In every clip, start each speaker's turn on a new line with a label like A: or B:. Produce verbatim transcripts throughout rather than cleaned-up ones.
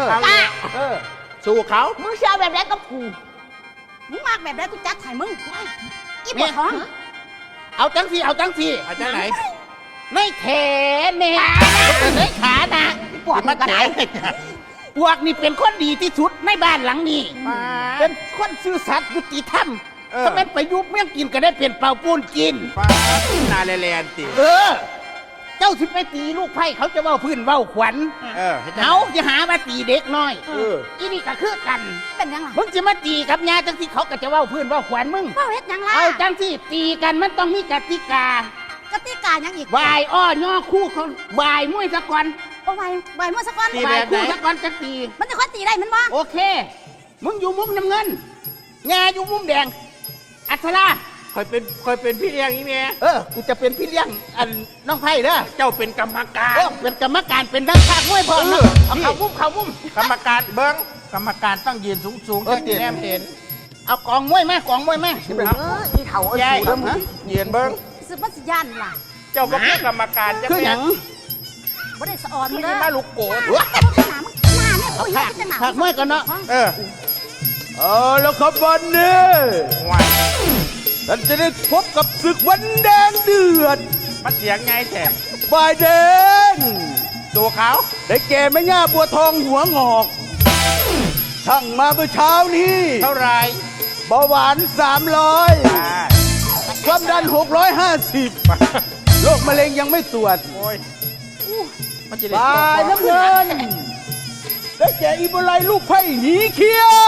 A: จ้า
B: สู้เขา
A: มึงเชื่อแบบไหนกับกูมึงมากแบบไหนกูจัดให้มึงอีปวดท้อง
B: เอาจังสีเอาจังสีเอาจังไหนไม่แขนเนี่ยไม่ขานะปวดมาไหนพวกนี่เป็นคนดีที่สุดในบ้านหลังนี้เป็นคนซื่อสัตย์ยุติธรรมถ้าเป็นไปยุบเมี่ยงกินก็ได้เปลี่ยนเป่าปูนกินนาแลแลนติเออเจ้าสิไปตีลูกไผ่เขาจะเว้าพื้นเว้าขวัญเขาจะหามาตีเด็กน้อยอีนี่ก็คือกัน
A: เป็นยังไง
B: มึงจะมาตีกับยาจังสิเขาก็จะเว้าพื้นเว้าขวัญมึง
A: เว้าเฮ็ดยังล่ะ
B: เอาจังสิตีกันมันต้องมีกติกาก
A: ติกายังอีก
B: วายอ้อย่อคู่เขาวายมวยสะก่อน
A: โอ้วายวายมวยสะก่อน
B: วายคู่สะก่อนจะตี
A: มันจะค่อยตีได้มันบ่
B: โอเคมึงอยู่มุมน้ำเงินงาอยู่มุมแดงอัศรา
C: คอยเป็นคอยเป็นพี่เลี้ยงอีเมีย
B: เออกูจะเป็นพี่เลี้ยงอันน้องไผ่เด้อ
C: เจ้าเป็นกรรมการ
B: เออเป็นกรรมการเป็นนักข่าวมวยพอเออเอาเขามุมเขามุม
C: กรรมการเบิ้งกรรมการต้องยืนสูงสูงเออแนมเห็น
B: เอากองมวยแม่กองมวยแม่
A: เอออีเถาเออสูง
C: ยืนเบิ้ง
A: ซื้อปัสยานล่ะ
C: เจ้าเป็นกรรมการจะ
B: คือหยัง
A: บ่ได้สะออนมึง
C: เด้อมาลูกโกด
A: หน้ามึงหน้าเนี่ยกูยังจะหนา
B: ผักมวยกันเนาะ
C: เออ
D: เออแล้วครับวันนี้ท่านจะได้พบกับศึกวันแดงเดือด
C: มันเสียงไงแท้
D: ฝ่ายแดง
C: ตัวเขา
D: ได้แก่แม่ย่าบัวทองหัวงอกช่างมาเมื่อเช้านี้
C: เท่าไร
D: เบาหวานสามร้อยความดันหกร้อยห้าสิบโรคมะเร็งยังไม่ตรวจ
C: โอ้ย
D: ฝ่ายน้ำเงินได้แก่อีโบไลลูกไผ่หนีเขี้ยว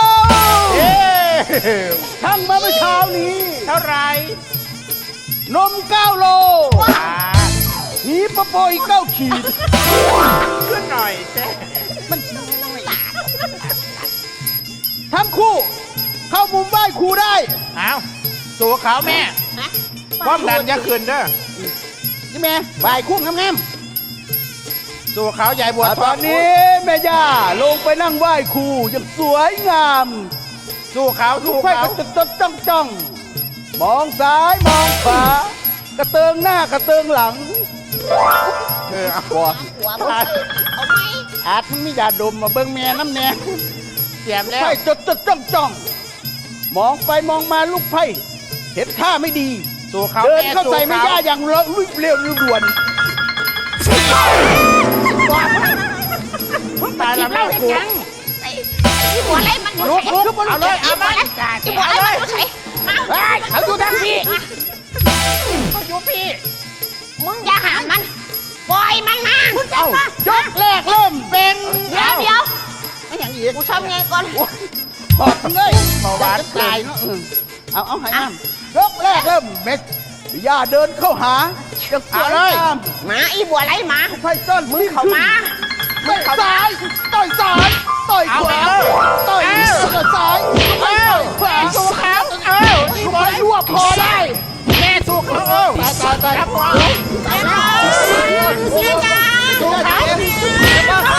D: ช่างมาเมื่อเช้านี้
C: เท่าไร
D: นมเก้าโลหีปะโปอีกเก้าขีด
C: ขึ้นหน่อยเจ๊
D: มันทั้งคู่เข้ามุมไหว้ครูได้
C: อ้าวสู้เขาแม่ความดันจะขึ้นเด้อ
B: นี่แม่ไหว้คู่งาม
C: ๆสู้เขาใหญ่บัว
D: ตอนนี้แม่ย่าลงไปนั่งไหว้ครูอย่างสวยงาม
C: สู้เขาสู้
D: เขาจดจดจ้องจ้องมองซ้ายมองขวากระเติงหน้ากระเติงหลัง
C: เออเอา
A: หัวหัวเอาไหม
B: อาจมึงมียาดมมาเบิ่งแม่น้ำแน่
C: เสียมแล้ว
D: ไพ่จดจดจ้องจ้องมองไปมองมาลูกไพ่เห็นท่าไม่ดี
C: สู้เขา
D: เดินเข้าใส่แม่ย่าอย่างเร็วเร็วด่วน
C: ตายแล้วแม่กู
A: ที่หัวไรมัน
C: ลุกลุกเอาเลยเอาเลย
A: ที่หัวไรมันใส่
B: เขาอยู่ทางพี่
C: เขาอยู่พี่
A: มึงอย่าหามมันปล่อยมันมา
B: เอายกแรกเริ่มเป็น
A: เดี๋ยวเดี๋ยว
B: ไม่อย่างอีก
A: กูทำไงก่อน
B: ขอบเลยจะตายเนาะเอาเอาให้น้ำยกแรกเริ่มเม็ด
D: ย่าเดินเข้าหา
B: จะสวยเลย
A: หมาอีบัวไรหมา
D: ไพ่ต้น
A: มึงเข้ามา
D: ต่อยซ้ายต่อยซ้ายต่อยขวาต่อยซ้าย
C: เอ้าขวาสู้เขาเอ้าอีบอย
B: รวบคอได้
C: แม่สู้เขา
B: ตายตายตาย
A: เสียจ้าสู้เขา